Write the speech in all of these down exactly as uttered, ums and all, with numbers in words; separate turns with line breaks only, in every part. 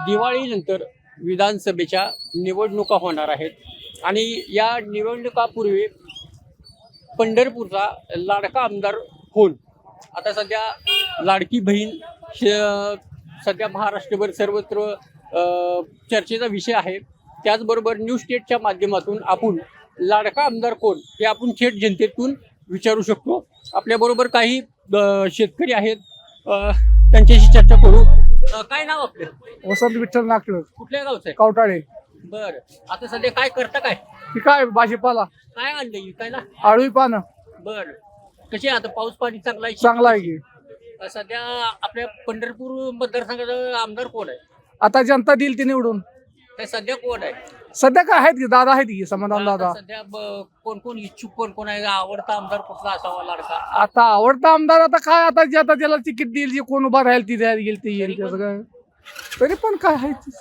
दिवाळीनंतर विधानसभेच्या निवडणुका होणार आहेत आणि या निवडणुकापूर्वी पंढरपूरचा लाडका आमदार कोण? आता सध्या लाडकी बहीण सध्या महाराष्ट्रभर सर्वत्र अ, चर्चेचा विषय आहे. त्याचबरोबर न्यूज स्टेटच्या माध्यमातून आपण लाडका आमदार कोण हे आपण थेट जनतेतून विचारू शकतो. आपल्याबरोबर काही अ, शेतकरी आहेत, अ, त्यांच्याशी चर्चा करू. अ, काय नाव आपलं?
वसंत विठ्ठल नागपूर
कुठल्या गावचं आहे?
कवटाळे.
बर, आता सध्या काय करता? काय
ही काय भाजीपाला
काय आणलं विकायला?
आळवी पानं
बर, कशी आहे आता? पाऊस पाणी चांगला आहे?
चांगला आहे की.
अ, सध्या आपल्या पंढरपूर मतदारसंघाचा आमदार कोण आहे?
आता जनता देईल ती निवडून.
काय सध्या कोण आहे?
सध्या काय आहेत की दादा आहेत की समाधान दादा.
आता सध्या ब- कोण कोण इच्छुक कोण कोण आहे? आवडता आमदार कुठला असावा लाडका?
आता आवडता आमदार आता काय आता जे आता त्याला तिकीट देईल जे कोण उभा राहील ती द्यायला येईल ते येईल त्याचं काय. तरी पण काय आहे ते.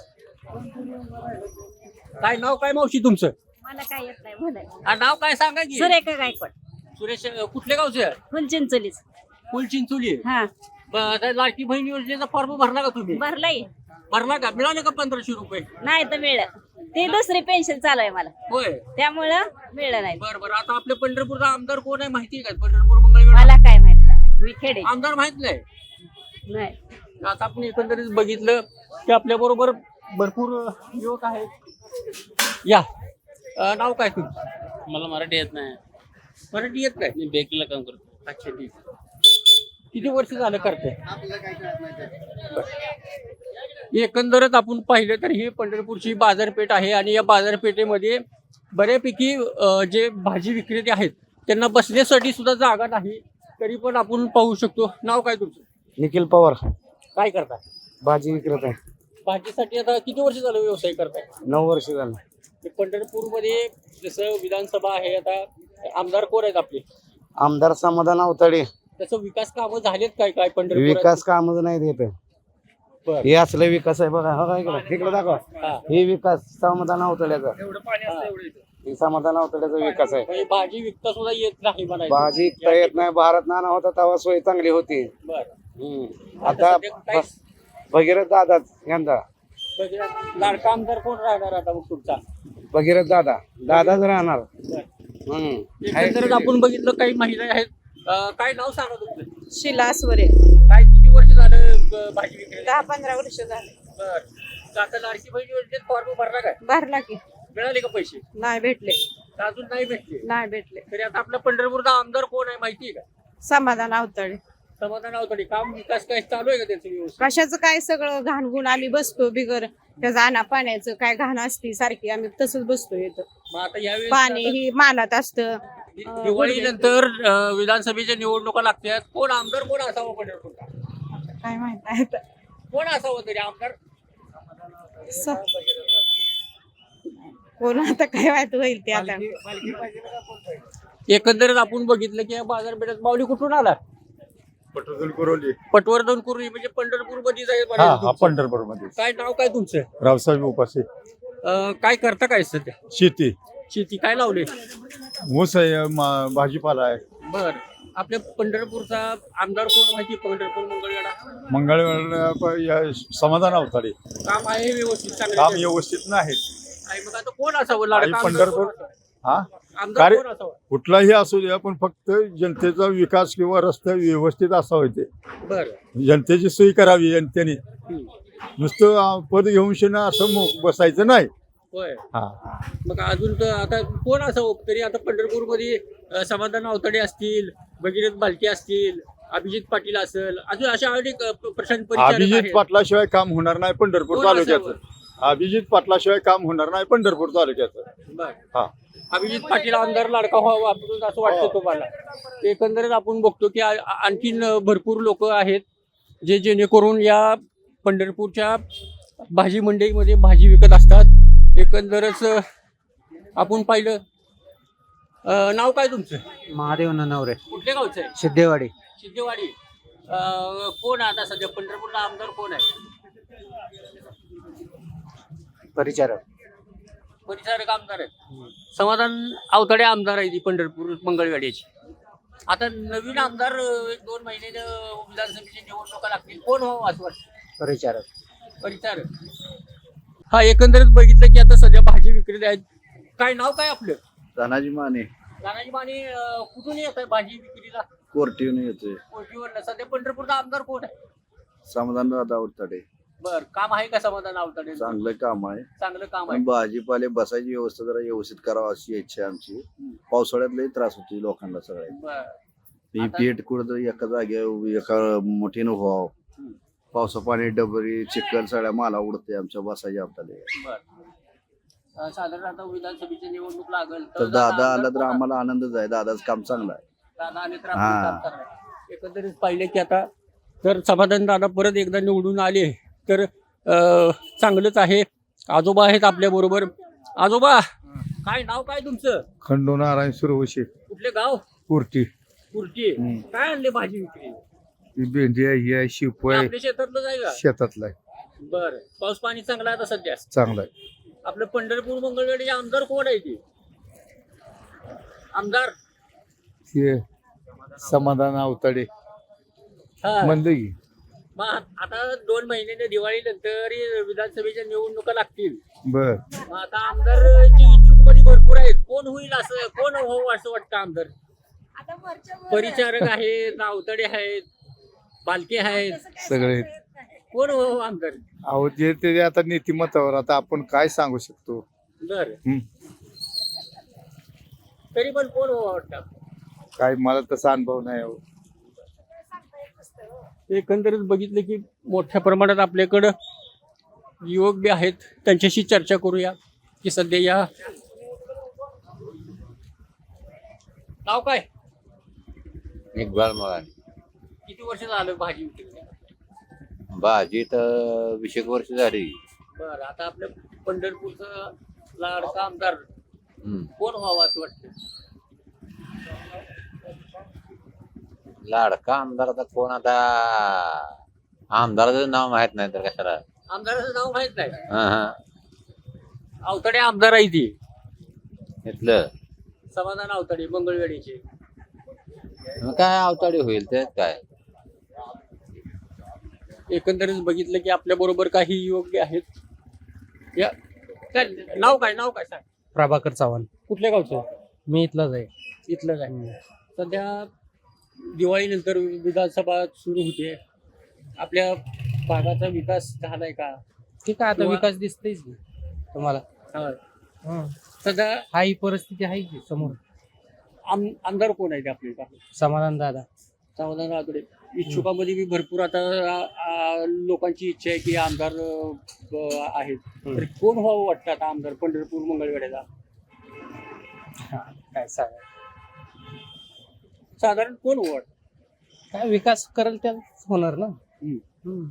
काय नाव काय मावशी तुमचं?
मला काय येत नाही बोलायला.
हा, नाव काय सांगा की?
सुरेखा गायकवाड,
सुरेश. अ, कुठल्या गावचे आहे?
फुलचिंचोलीच.
फुल चिंचोली.
हा,
ब- आता लाडकी बहीण योजनेचा फॉर्म भरला का तुम्ही?
भरलाय.
भरला का? मिळाले का पंधराशे रुपये?
नाही तर मिळलं. ते दुसरी पेन्शन चालू आहे मला,
होय.
त्यामुळं मिळलं नाही.
बर बर, आता आपल्या पंढरपूरचा आमदार कोण आहे माहिती आहे का? पंढरपूर मंगळवेढा
मला काय माहित नाही, मी खेडे
आमदार माहित नाही.
नाही.
आता आपण एकंदरीत बघितलं की आपल्या बरोबर भरपूर युवक आहेत. या, अ, नाव काय तुमचं?
मला मराठी येत नाही.
मराठी येत नाही?
मी बेकरीला काम करतो.
अच्छा, ठीक. किती वर्ष झालं करते? एकंदरच आपण पाहिलं तर ही पंढरपूरची बाजारपेठ आहे आणि या बाजारपेठेमध्ये बऱ्यापैकी अ, जे भाजी विक्रेते आहेत त्यांना बसण्यासाठी सुद्धा जागा नाही. तरी पण आपण पाहू शकतो. नाव काय तुमचं?
निखिल पवार
काय करता?
भाजी विक्रेत आहे.
भाजीसाठी आता किती वर्ष झालं व्यवसाय करताय?
नऊ वर्ष झालं.
ते पंढरपूरमध्ये जसं विधानसभा आहे, आता आमदार कोण आहेत आपले?
आमदार समाधान अवताडे.
त्याचं विकास कामं झालेत काय काय पंढरपूर?
विकास कामच नाही देत. हे असले विकास आहे बघा. हो, इकडे इकडे दाखवा. हे विकास समाधान अवताड्याचा. हे समाधान अवताड्याचा विकास आहे.
भाजी विकता सुद्धा येत नाही म्हणायचं.
भाजी विकता येत नाही. भारत नाना होता तेव्हा सोय चांगली होती.
बरं.
हम्म. आता बस भगीरथ दादा यंदा
लाडका आमदार कोण राहणार आता मग तुमचा?
भगीरथ दादा दादाच राहणार. हम्म.
एकंदरीत आपण बघितलं काही महिला आहेत. अं, काय नाव सांगा तुमचं?
शिला स्वरे.
काय किती वर्ष झालं अं, भाजी विक्री?
दहा पंधरा वर्ष झाले.
बरं. आता लाडकी बहीण योजनेत फॉर्म भरला काय?
भरला की.
मिळाले का पैसे?
नाही भेटले.
अजून नाही भेटले?
नाही भेटले.
तरी आता आपला पंढरपूरचा आमदार कोण आहे माहिती आहे का?
समाधान अवतळे.
समाधान अवतडे. काम विकास काय चालू आहे का त्यांचं व्यवस्थित?
कशाचं काय सगळं घाण गुण आम्ही बसतो बिगर त्याचं आणा पाण्याचं काय घाण असती सारखी आम्ही तसंच बसतो येतो.
मग आता यावेळी
पाणी ही मानात असतं.
दिवाळीनंतर अं, विधानसभेच्या निवडणुका लागतात. कोण आमदार कोण असावं पंढरपूरला?
काय माहित नाही आता.
कोण असावं तरी आमदार?
स- कोण आता काय माहित होईल ते आता.
एकंदरीत आपण बघितलं की या बाजारपेठेत माऊली कुठून आला?
पटवर्धन कुरोली.
पटवर्धन कुर्ली म्हणजे पंढरपूर मध्येच आहे
हा
म्हणायचं
हा
तुमचं.
पंढरपूर मध्ये.
काय नाव काय तुमचं?
रावसाहेब उपासे.
अं, काय करता काय सध्या?
शेती.
शेती काय लावले?
ऊस आहे, मा- भाजीपाला आहे.
बर, आपल्या पंढरपूरचा आमदार कोण माहिती? पंढरपूर मंगळवेढा
मंगळवेढा समाधान अवताडे.
काम आहे व्यवस्थित चांगलं?
काम व्यवस्थित नाही.
आहे. मग आता कोण असावं लाडका
आणि
आमदार
पंढरपूर
कोण असावं?
हा
आमदार
कार्य
कोण असावं?
कुठलाही असू द्या पण फक्त जनतेचा विकास किंवा रस्ते व्यवस्थित असावे. ते
बर.
जनतेची सोयी करावी जनतेने.
हम्म.
नुसतं अं, पद घेऊन शेणं असं मो- बसायचं नाही.
होय.
हा
मग अजून तर आता कोण असावं तरी? आता पंढरपूरमध्ये अं, समाधान अवतडे असतील, भगीरथ बालके असतील, अभिजित पाटील असेल, अजून अशा अनेक अं, प्रशांत परिचारक
अभिजित
आहेत.
पाटलाशिवाय काम होणार नाही पंढरपूर
कोण
तालुक्याचं.
असावं?
अभिजित पाटलाशिवाय काम होणार नाही पंढरपूर तालुक्याचं.
बर.
हा
अभिजित पाटील आमदार लाडका व्हावा आपण असं वाटतं तुम्हाला? एकंदरीत आपण बघतो की आ- आणखीन भरपूर लोक आहेत जे जेणेकरून या पंढरपूरच्या भाजी मंडईमध्ये भाजी विकत असतात. एकंदरच आपण पाहिलं. अं, नाव काय तुमचं?
महादेव नवरे
कुठल्या गावचं आहे?
सिद्धेवाडी.
सिद्धेवाडी. अं, कोण आहे आता सध्या पंढरपूरला आमदार कोण आहे?
परिचारक.
परिचारक आमदार आहे. समाधान अवतडे आमदार आहे ती पंढरपूर मंगळवेढ्याची. आता नवीन आमदार अं, एक दोन महिने विधानसभेची निवडणुका लागतील. कोण व्हावं असं वाटतं?
परिचारक.
परिचारक. हा एकंदरीत बघितलं की आता सध्या भाजी विक्रेते आहेत. काय नाव काय आपलं?
तानाजी माने
तानाजी माने. अं, कुठून येत आहे भाजी विक्रीला?
कोर्टीहून येतोय.
कोटीवर. सध्या पंढरपूरचा आमदार कोण आहे?
समाधान दादा आवताडे.
बर, काम आहे का समाधान आवताडे?
चांगलं काम आहे.
चांगलं काम आहे.
पण भाजीपाले बसायची व्यवस्था जरा व्यवस्थित करावं अशी इच्छा आहे आमची. पावसाळ्यात लई त्रास होती लोकांना सगळ्या.
बर.
ही
आता-
पेट कुठंतरी एका जागेवर एका मोठीनं व्हावं.
हम्म.
पावसा पाणी डबरी चिखल सगळ्या माला उडते आमच्या बसायच्या आपल्याला.
बर. अं, साधारण आता विधानसभेची निवडणूक लागल
तर दादा
आमदार
आला तर
कोण
आम्हाला आनंदच आहे. दादाच काम चांगलं आहे.
दादा आले तर
हा.
आपलं काम करणार. एकंदरीत पाहिले की आता तर समाधान दादा परत एकदा निवडून आले तर अं, चांगलंच आहे. आजोबा आहेत आपल्या बरोबर. आजोबा, काय नाव काय तुमचं?
खंडू नारायण सुरवशी
कुठले गाव?
कुर्टी.
कुर्टी.
हम्म.
काय आणले भाजी विक्री?
ही भेंडी आहे, ही आहे, शिप आहे,
आपल्या शेतातलं आहे का?
शेतातला आहे.
बर. पाऊस पाणी चांगला आहे आता सध्या.
चांगला आहे.
आपलं पंढरपूर मंगळवेढे आमदार कोण आहे ते? आमदार
हे समाधान आवताडे
हा.
म्हणलं की
मग आता दोन महिन्याने दिवाळी नंतर विधानसभेच्या निवडणुका लागतील.
बर.
मग आता आमदारची इच्छुक मध्ये भरपूर आहेत. कोण होईल असं, कोण हो असं वाटतं आमदार? परिचारक आहेत, आवताडे आहेत, बालके आहेत,
सगळे
कोण हो आमदार?
अहो जे ते आता नीतिमत्तावर आता आपण काय सांगू शकतो.
बर.
हम्म.
तरी पण कोण हो वाटतं?
काय मला तसा अनुभव नाही हो.
एकंदरीत बघितलं की मोठ्या प्रमाणात आपल्याकडं युवक बी आहेत. त्यांच्याशी चर्चा करूया की सध्या या नाव काय?
इक्बाल मराठी.
किती वर्ष झालं भाजी विक्रीला?
भाजी तर वीस एक वर्ष झाली.
बर. आता आपल्या पंढरपूरचा लाडका आमदार
हम्म.
कोण व्हावं असं वाटतं?
लाडका आमदार आता कोण? आता आमदाराचं नाव माहित नाही तर कशाला.
आमदाराचं नाव माहित नाही.
हं, हं.
आवताडे आमदार आहे ती.
इथलं
समाधान आवताडे मंगळवेढीचे.
मग काय अवताडी होईल त्यात काय.
एकंदरीत बघितलं की आपल्या बरोबर काही युवक बी आहेत. या काय नाव काय नाव काय सांग?
प्रभाकर चव्हाण.
कुठल्या गावचं?
मी इथलाच आहे.
इथलं काय? सध्या दिवाळीनंतर विधानसभा सुरू होते. आपल्या भागाचा विकास झालाय का?
ठीक आहे, आता
किंवा-
विकास दिसतेच की तुम्हाला.
हा.
हं.
सध्या
हा ही परिस्थिती आहे की समोर.
आम आमदार कोण आहेत आपले?
समाधान दादा.
समाधान आवताडे. इच्छुकामध्ये बी भरपूर आता आ, आ, लोकांची इच्छा आहे की आमदार अ, आहेत. तर कोण व्हावं वाटतं आता आमदार पंढरपूर मंगळवेढ्याचा?
काय सांगा,
साधारण कोण व्हावं वाटतं?
काय विकास करेल त्याच होणार ना.
हम्म.
हं.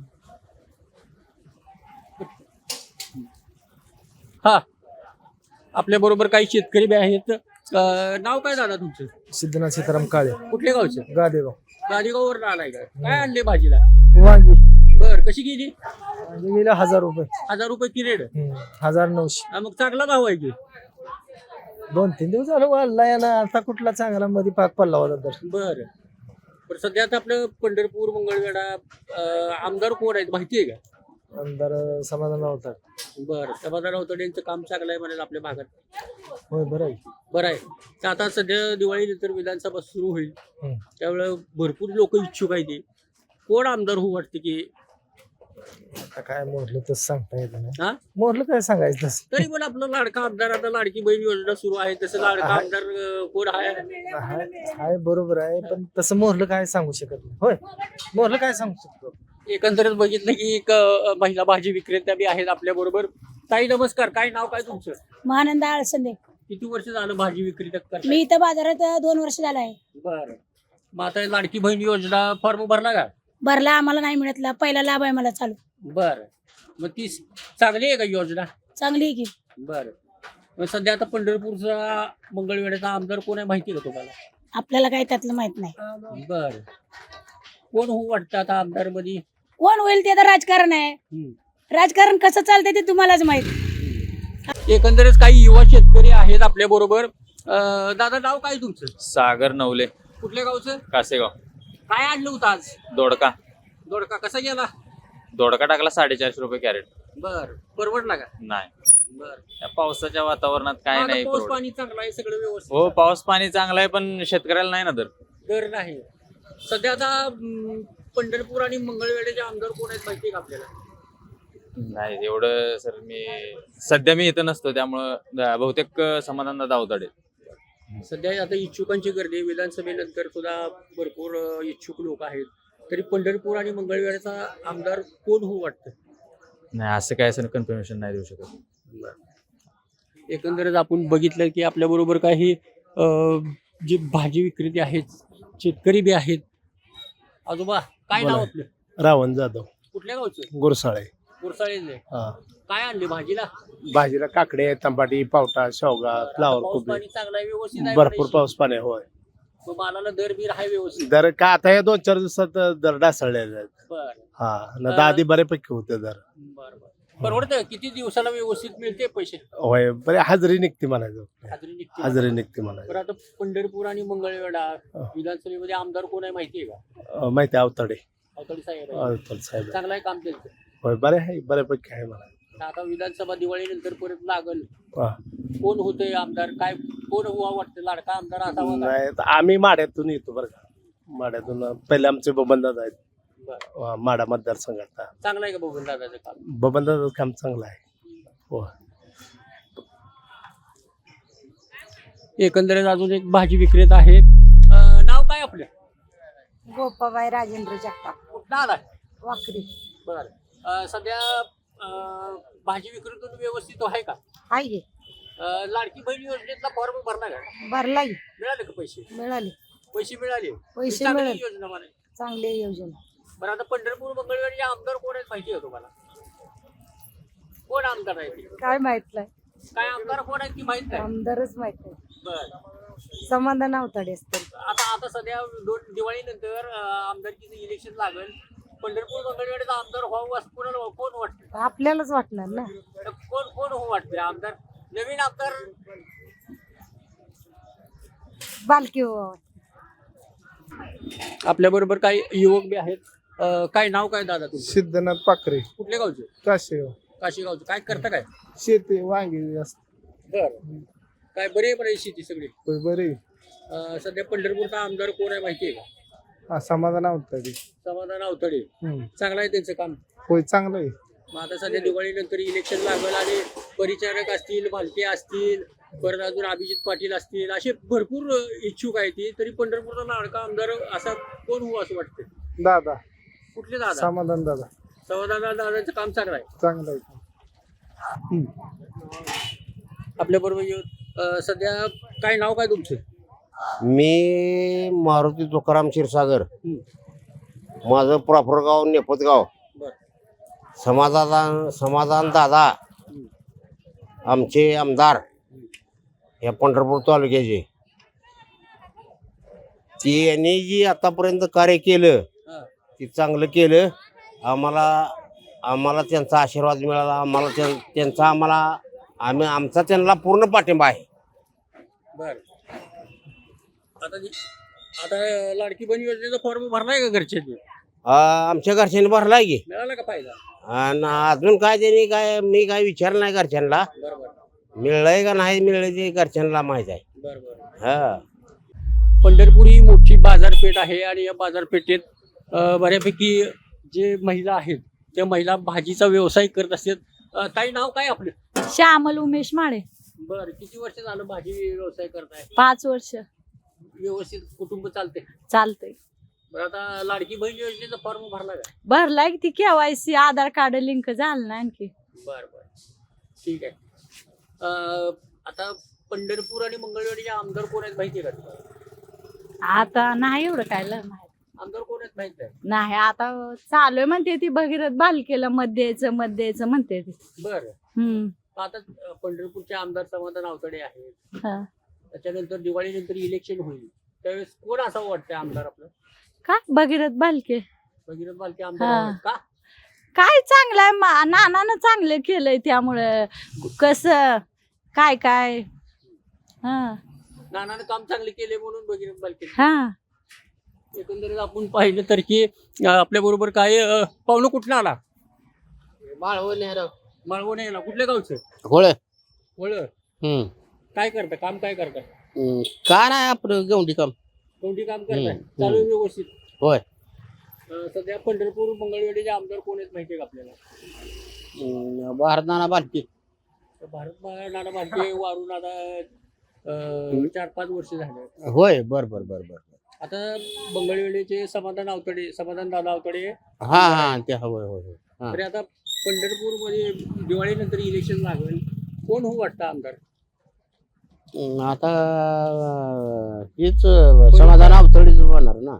हा. आपल्या बरोबर काही शेतकरी बी आहेत. अ, नाव काय दादा तुमचं?
सिद्धनाथ सीताराम काळे,
कुठल्या गावचं?
गादेगाव.
गाडीगावर आलाय का? काय आणले भाजीला?
वांगी
बर. कशी गेली?
गेले हजार रुपये.
हजार रुपये की रेड?
हं. हजार नऊशे.
हा, मग चांगला भाव आहे की.
दोन तीन दिवस झालं वाढला याला. आता कुठला चांगला मध्ये पाक पडला होता तर.
बर. पण सध्या आता आपलं पंढरपूर मंगळवेढा अ, आमदार कोण आहेत माहिती आहे का?
आमदार समाधान होता.
बर. समाधान आवताडे यांचं काम चांगलं आहे म्हणाल आपल्या भागात.
होय, बरं आहे.
बरं आहे. तर आता सध्या दिवाळीनंतर विधानसभा सुरू होईल.
हं.
त्यावेळेला भरपूर लोक इच्छुक आहेत. ते कोण आमदार होऊ वाटते की?
आता काय मोरलं तसं सांगता येत नाही.
हा.
मोरलं काय सांगायचं तसं.
तरी पण आपलं लाडका आमदार, आता लाडकी बहीण योजना सुरू आहे, तसं लाडका आमदार अ, कोण आहे?
हाय हाय, बरोबर आहे, पण तसं मोरलं काय सांगू शकत नाही. होय, मोरलं काय सांगू शकतो.
एकंदरीत बघितलं की एक अ, महिला भाजी विक्रेत्या बी आहेत आपल्या बरोबर. ताई नमस्कार. काय नाव काय तुमचं?
महानंद आळसंदे.
किती वर्ष झालं भाजी विक्री करता?
मी इथं बाजारात दोन वर्ष झालं आहे.
बर. मग आता लाडकी बहीण योजना फॉर्म भरला का?
भरला, आम्हाला नाही मिळतला. पहिला लाभ आहे मला चालू.
बर. मग ती चांगली आहे का योजना?
चांगली आहे की.
बर. मग सध्या आता पंढरपूरचा मंगळवेढ्याचा आमदार कोण आहे माहिती आहे का तुम्हाला?
आपल्याला काही त्यातलं माहित नाही.
बर. कोण होऊ वाटतं आता आमदार मध्ये?
कोण होईल ते तर राजकारण आहे. राजकारण कसं चालतंय ते तुम्हालाच माहित.
एकंदरीत काही युवा शेतकरी आहेत आपल्या बरोबर. दादा नाव काय तुमचं?
सागर नवले,
कुठल्या गावचं?
कासेगाव.
काय आणलं होतं आज?
दोडका.
दोडका कसा गेला?
दोडका टाकला साडेचारशे रुपये कॅरेट.
बर परवडला का?
नाही,
बर
या पावसाच्या वातावरणात काय
आता
नाही
पाऊस
परवडत.
पाणी चांगलं आहे सगळं व्यवस्थित
हो,
आहे.
पाऊस पाणी चांगला आहे पण शेतकऱ्याला नाही ना दर.
दर नाही सध्या आता अं, पंढरपूर आणि मंगळवेढ्याचे आमदार कोण आहेत माहिती आहे का आपल्याला?
नाही एवढं सर, मी सध्या मी इथं नसतो त्यामुळं द- बहुतेक समाधान दावताडे.
सध्या आता इच्छुकांची गर्दी आहे. विधानसभेनंतर सुद्धा भरपूर अं, इच्छुक लोक आहेत. तरी पंढरपूर आणि मंगळवेढ्याचा आमदार कोण होऊ वाटतं?
नाही असं काय असं कन्फर्मेशन नाही देऊ शकत.
एकंदरच आपण बघितलं की आपल्या बरोबर काही अं, जे भाजी विक्रेते आहेत, शेतकरी बी आहेत. आजोबा काय नाव आपलं?
रावण जाधव
कुठल्या गावचं?
गुरसाळे.
गुरसाळेचे.
हा.
काय आणले भाजीला?
भाजीला काकडे, तंबाटी, पावटा, शेवगा, फ्लावर
पाऊस
कोबी.
पाणी चांगला आहे, व्यवस्थित आहे
भरपूर
म्हणायची.
पाऊस पाणी होय.
मग मालाला दर बीर आहे व्यवस्थित.
दर का आता या दोन चार दिवसात दर डासळलेले आहेत.
बर
हा न तर आधी बऱ्यापैकी होते दर.
बर बर परवडतं किती दिवसाला व्यवस्थित मिळते पैसे?
होय बरे हजेरी निघते म्हणायचं.
हाजरी निघते.
हजेरी निघते म्हणायचं.
बरं आता पंढरपूर आणि मंगळवेढा विधानसभेमध्ये आमदार कोण आहे माहिती आहे का?
अं, माहिती आहे अवताडे.
अवतडे साहेब आहे.
अवताडे साहेब
चांगलं आहे काम त्यांचं.
होय बरे आहे बऱ्यापैकी आहे मला.
आता विधानसभा दिवाळीनंतर परत लागल.
हा.
कोण होतंय आमदार? काय कोण हुवा वाटतं? लाडका आमदार असावा का?
नाही तर आम्ही माड्यातून येतो बरं का. माड्यातून पहिले आमचे बबनदादा आहेत.
बरं
अं, माडा मतदारसंघात.
चांगलं आहे का बघून दादाचं काम?
बबनदादाचं काम चांगलं आहे. हो.
एकंदरीत अजून एक भाजी विक्रेता आहे. अं, नाव काय आपलं?
गोपाबाई राजेंद्र जगताप,
कुठं आला?
वाकरी.
बरं अं, सध्या अं, भाजी विक्रेतून व्यवस्थित आहे का?
हाय गे
अं, लाडकी बहीण योजनेतला फॉर्म भरला का?
भरलाई
मिळाले का पैसे?
मिळाले
पैसे मिळाले.
पैसे
चांगली
मिळाले.
योजना म्हणे.
चांगली योजना.
बरं आता पंढरपूर मंगळवेढे आमदार कोण आहेत माहिती आहे तुम्हाला? कोण आमदार आहे ते?
काय माहित नाही,
काय आमदार कोण आहेत की माहित नाही?
आमदारच माहित नाही.
बरं
समाधान अवताडे असतील.
आता आता सध्या दोन दिवाळीनंतर अं, आमदारकीचं इलेक्शन लागेल. पंढरपूर मंगळवेढेचा आमदार व्हावं असं कोणाला कोण वाटतं?
आपल्यालाच वाटणार ना.
तर कोण कोण हो वाटते आमदार? नवीन आमदार
बालकी हो.
आपल्या बरोबर काही युवक बी आहेत. अं, काय नाव काय दादा तुमचं?
सिद्धनाथ पाखरे.
कुठल्या गावचे?
काशे.
काशीगावचं. काय करता काय?
शेती वांगी
बर काय बरे बरे शेती सगळी.
बरे.
अं, सध्या पंढरपूरचा आमदार कोण आहे माहिती आहे का?
समाधान अवताडे.
समाधान अवतडे. चांगलं आहे त्यांचं काम.
होय चांगलं आहे.
मग आता सध्या दिवाळीनंतर इलेक्शन लागल आणि परिचारक असतील, भालके असतील, परत अजून अभिजित पाटील असतील, असे भरपूर इच्छुक आहेत ती. तरी पंढरपूरचा लाडका आमदार असा कोण हो असं वाटतं?
दादा
कुठले दादा?
समाधान दादा.
समाधान दादाचं काम चांगलं आहे.
चांगलं आहे.
आपल्या बरोबर सध्या काय नाव काय तुमचं?
मी मारुती तुकाराम क्षीरसागर. माझं प्रॉपर गाव नेपतगाव.
बर
समाधान समाधान दादा आमचे आमदार या पंढरपूर तालुक्याचे. ती यांनी जी आतापर्यंत कार्य केलं
हा
ते चांगलं केलं. आम्हाला आम्हाला त्यांचा आशीर्वाद मिळाला. आम्हाला त्यां- त्यांचा आम्हाला आम्ही आमचा त्यांना पूर्ण पाठिंबा आहे.
बर आता जी- आता लाडकी बहीण योजनेचा फॉर्म भरलाय का घरच्यांनी?
आ, आमच्या घरच्यांनी भरलाय की.
मिळाला का फायदा?
आणि अजून काय त्यांनी काय मी काय विचारलं नाही घरच्यांना.
बरोबर
मिळलंय का नाही मिळलंय ते घरच्यांना माहित आहे.
बरोबर
हा.
पंढरपूर ही मोठी बाजारपेठ आहे आणि या बाजारपेठेत अ, बऱ्यापैकी जे महिला आहेत त्या महिला भाजीचा व्यवसाय करत असतात. अ, ताई नाव काय आपलं?
श्यामल उमेश माळे.
बर किती वर्ष झालं भाजी व्यवसाय करताय?
पाच वर्ष
व्यवस्थित कुटुंब चालते?
चालतंय.
बरं आता लाडकी बहीण योजनेचा फॉर्म भरला का?
भरलाय ती केवायसी आधार कार्ड लिंक झालं ना आणखी.
बर बर ठीक आहे. अ, आता पंढरपूर आणि मंगळवेढीचे आमदार कोण आहेत माहिती आहे का तुम्हाला?
आता नाही एवढं काय लय माहित
आमदार कोण आहेत माहित नाही?
नाही. आता चालू आहे म्हणते ती भगीरथ बालकेला मत द्यायचं मत द्यायचं म्हणते ती.
बरं
हम्म
आता अ, पंढरपूरचे आमदार समाधान अवतडे आहेत.
हा.
त्याच्यानंतर दिवाळीनंतर इलेक्शन होईल त्यावेळेस कोण असावं वाटतं आमदार आपलं?
का भगीरथ बालके
भगीरथ बालके आमदार
हा.
व्हावेत का?
काय चांगलं आहे मा- नानानं चांगलं केलंय त्यामुळं कसं काय काय. हा
नानानं काम चांगले केले म्हणून भगीरथ बालके.
हा.
एकंदरीत आपण पाहिलं तर की आपल्या बरोबर काय अ, पाहुणं कुठनं आला? माळवण यायला कुठल्या गावचं
होळ
वळ
हम्म
काय करता काम काय करता
हम्म. काय नाही आपलं गवंडी काम
कोणती काम करताय
हम्म,
चालू आहे व्यवस्थित
होय
अं, सध्या पंढरपूर मंगळवेढीचे आमदार कोण आहेत माहितीये का आपल्याला
हम्म, भारत नाना बालकी
तर भारत नाना भालके वारून आता अं, चार पाच वर्ष झाले
होय बर बर बर बर
आता मंगळवेढीचे समाधान आवतडे समाधान दादा आवतडे
हा हा ते होय होय होय हा.
तरी आता पंढरपूर मध्ये दिवाळीनंतर इलेक्शन लागेल कोण होऊ वाटतं आमदार
हम्म, आता हेच समाधान अवतळीच होणार ना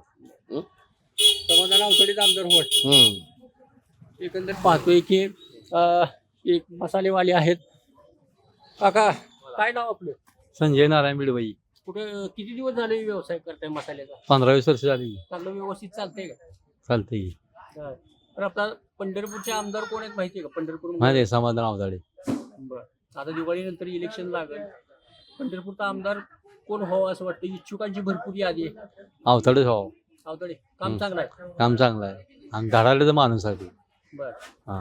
समाधान आवतडेच आमदार होऊ वाटतं
हम्म
एकंदर पाहतोय की अं, एक मसालेवाले आहेत काका काय नाव आपलं
संजय नारायण बिडबाई
कुठं किती दिवस झाले व्यवसाय करताय मसाल्याचा
पंधरा वीस वर्ष झाली
चांगलं व्यवस्थित चालतंय का
चालते की
हा. तर आपला पंढरपूरचे आमदार कोण आहेत माहितीये का पंढरपूर
माहिती आहे समाधान अवताडे
बरं आता दिवाळीनंतर इलेक्शन लागेल पंढरपूरचा आमदार कोण व्हावं असं वाटतं इच्छुकांची भरपूर यादी आहे
अवताडेच हो
आवतडे काम
हम्म.
चांगलं आहे
काम चांगलं आहे आणि धडाडीचा माणूस आहे तो.
बरं
हा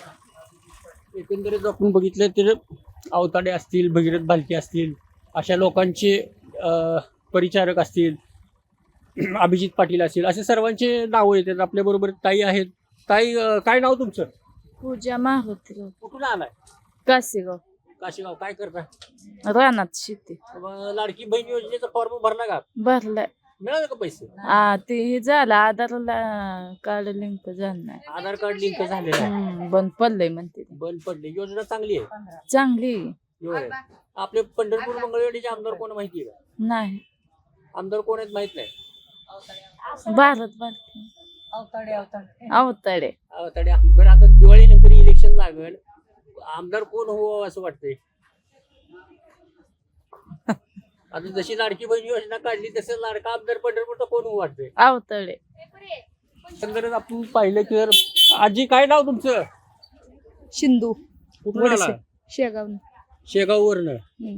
एकंदरीत आपण बघितलं तर अवताडे असतील भगीरथ भालके असतील अशा लोकांचे अं, परिचारक असतील अभिजित पाटील असतील असे सर्वांचे नावं येतात आपल्या बरोबर ताई आहेत ताई अं, काय नाव तुमचं
पूजा मारुती
कुठून आलाय
कासेगाव
काशीगाव काय करता
रानात शेती
मग लाडकी बहीण योजनेचा फॉर्म भरला का
भरलाय
मिळालं का पैसे
आ ते हे झालं आधारला कार्ड लिंक झालं नाही
आधार कार्ड लिंक झालेलं आहे
हम्म, बंद पडलंय म्हणते ते.
बंद पडले योजना चांगली आहे
चांगली
होय. आपले पंढरपूर मंगळवेढीचे आमदार कोण माहिती आहे का
नाही
आमदार कोण आहेत माहित नाही
भारत बालकी अवताडे
अवताडे बरं आता दिवाळीनंतर इलेक्शन लागेल आमदार कोण हो असं वाटतंय आता जशी लाडकी बहीण योजना काढली तसं लाडका आमदार पंढरपूरचा कोण हो वाटतंय
अवताडे
एकंदरीत आपण पाहिलं की जर आजी काय नाव तुमचं
शिंदू
कुठून आला
शेगाव
शेगाववरनं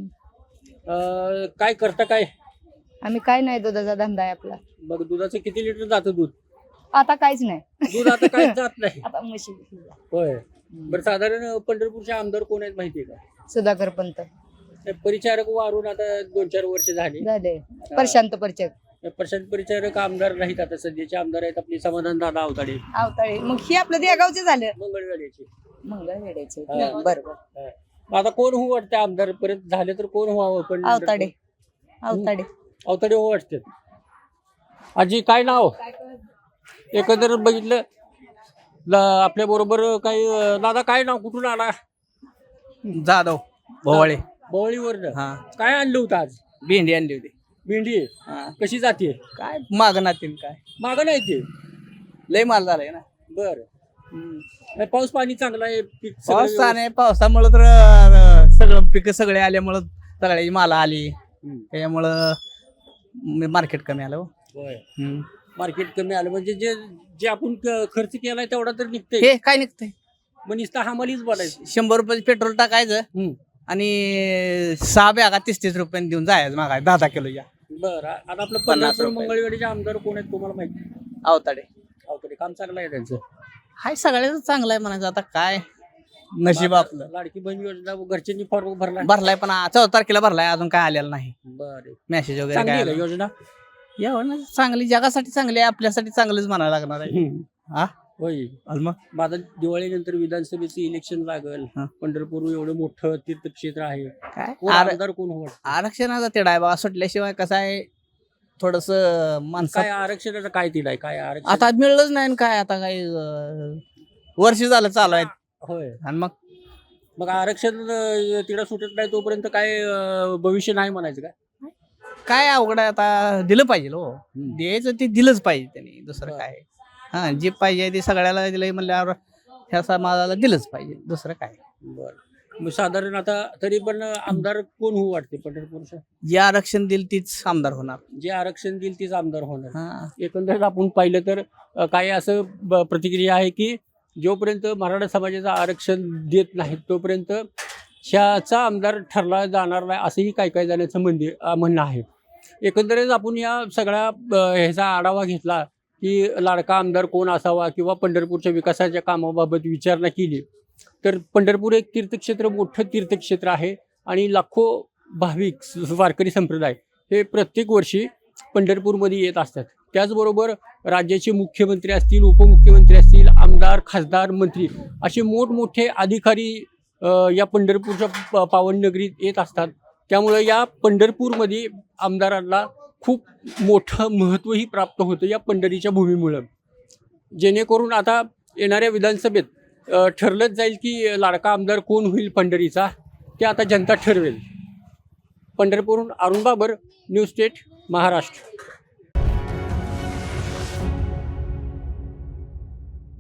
अं, काय करता काय
आम्ही काय नाही दुधाचा धंदा आहे आपला
मग दुधाचं किती लिटर जातं दूध
आता काहीच नाही
दूध आता काय जात नाही
आता म्हशी
होय बरं साधारण पंढरपूरचे आमदार कोण आहेत माहितीये का
सुधाकर पंत
ते परिचारक वारून आता दोन चार वर्ष झाली
झाले प्रशांत परचक
प्रशांत परिचारक आमदार नाहीत आता सध्याचे आमदार आहेत आपले समाधान दादा अवताडे
अवताडे मग ही आपलं देगावचे झालं
मंगळवेढ्याचे
मंगळवेड्याचे
हा.
बरोबर
हा. आता कोण हो वाटतं आमदार परत झाले तर कोण व्हावं पण
अवताडे अवताडे
अवताडे हो वाटते आजी काय नाव एकंदर बघितलं आपल्या बरोबर काही अं, दादा काय नाव कुठून आला
जाधव भोवाळे
बवळीवरनं
हा
काय आणलं होतं आज
भेंडी आणली होती
भेंडी कशी जाते
काय मागणातील काय
मागं नाही ते
लय माल झालाय ना
बर पाऊस पाणी चांगला आहे पीक सगळं
पाऊस
व्यवस्थित-
नाही पावसामुळे तर अं, सगळं पिकं सगळे आल्यामुळं सगळ्याची माला आली
हम्म.
त्याच्यामुळं मार्केट कमी आलं हो.
होय.
हम्म.
मार्केट कमी आलं म्हणजे जे जे आपण क- खर्च केलाय तेवढा तर निघतंय
हे काय निघतंय
मग नुसता हमालीच बोलायचं
शंभर रुपये पेट्रोल टाकायचं
हम्म.
आणि सहा बॅगा तीस तीस रुपयांनी देऊन जायचं मागाय दहा दहा किलोच्या
बरं आता आपलं
पन्नास
पंढरपूर
रुपये.
मंगळवेढीचे आमदार कोण आहेत तुम्हाला माहिती
अवताडे
अवतडे काम चांगलं आहे त्यांचं
हाय सगळ्याच चांगलं आहे म्हणायचं आता काय नशीब आपलं
लाडकी बहीण योजना घरच्यांनी फॉर्म भरला
भरलाय पण चौदा तारखेला भरलाय अजून काय आलेलं नाही
बरं
मेसेज वगैरे
चांगली
काय
आहे का
आलं.
योजना
एवढं नाही, चांगली जगासाठी चांगली आहे आपल्यासाठी चांगलंच म्हणायला लागणार आहे हा
होय
आणि मग
मग आता दिवाळीनंतर विधानसभेचं इलेक्शन लागल
हा.
पंढरपूर एवढं मोठं तीर्थक्षेत्र आहे
काय
कोण
आर-
आमदार कोण हो वाटतं?
आरक्षणाचा तेढा आहे बाबा सुटल्याशिवाय कसं आहे थोडस माणसं
काय आरक्षणाचं काय तिला आहे काय आरक्षण
आता मिळलंच नाही आणि काय आता काही अं, वर्ष झालं चालू आहेत
होय
आणि मग
मग आरक्षण अं, तिला सुटत नाही तोपर्यंत काय अं, भविष्य नाही म्हणायचं काय
काय अवघड आहे आता दिलं पाहिजे हो द्यायचं ते दिलंच पाहिजे त्यांनी दुसरं काय हा जे पाहिजे ते सगळ्याला दिलं म्हणल्यावर ह्या समाजाला दिलंच पाहिजे दुसरं काय
बरं मग साधारण आता तरी पण आमदार कोण होऊ वाटते पंढरपूरचं
जे आरक्षण दिल तीच आमदार होणार
जे आरक्षण देईल तेच आमदार होणार
हा
एकंदरीत आपण पाहिलं तर अ, काही असं ब- प्रतिक्रिया आहे की जोपर्यंत मराठा समाजाचं आरक्षण देत नाहीत तोपर्यंत ह्याचा आमदार ठरला जाणार नाही असंही काही काही जणांचं म्हणजे अ, म्हणणं आहे एकंदरीत आपण या सगळ्या अ, ह्याचा आढावा घेतला की लाडका आमदार कोण असावा किंवा पंढरपूरच्या विकासाच्या कामाबाबत विचारणा केली तर पंढरपूर एक तीर्थक्षेत्र मोठं तीर्थक्षेत्र आहे आणि लाखो भाविक स- वारकरी संप्रदाय हे प्रत्येक वर्षी पंढरपूरमध्ये येत असतात. त्याचबरोबर राज्याचे मुख्यमंत्री असतील, उपमुख्यमंत्री असतील, आमदार, खासदार, मंत्री असे मोठमोठे अधिकारी अ, या पंढरपूरच्या प- पावन नगरीत येत असतात. त्यामुळे या पंढरपूरमध्ये आमदारांना खूप मोठं महत्त्वही प्राप्त होतं या पंढरीच्या भूमीमुळं. जेणेकरून आता येणाऱ्या विधानसभेत अ, ठरलंच जाईल की लाडका आमदार कोण होईल पंढरीचा, ते आता जनता ठरवेल. पंढरपूरहून अरुण बाबर, न्यूज स्टेट, महाराष्ट्र.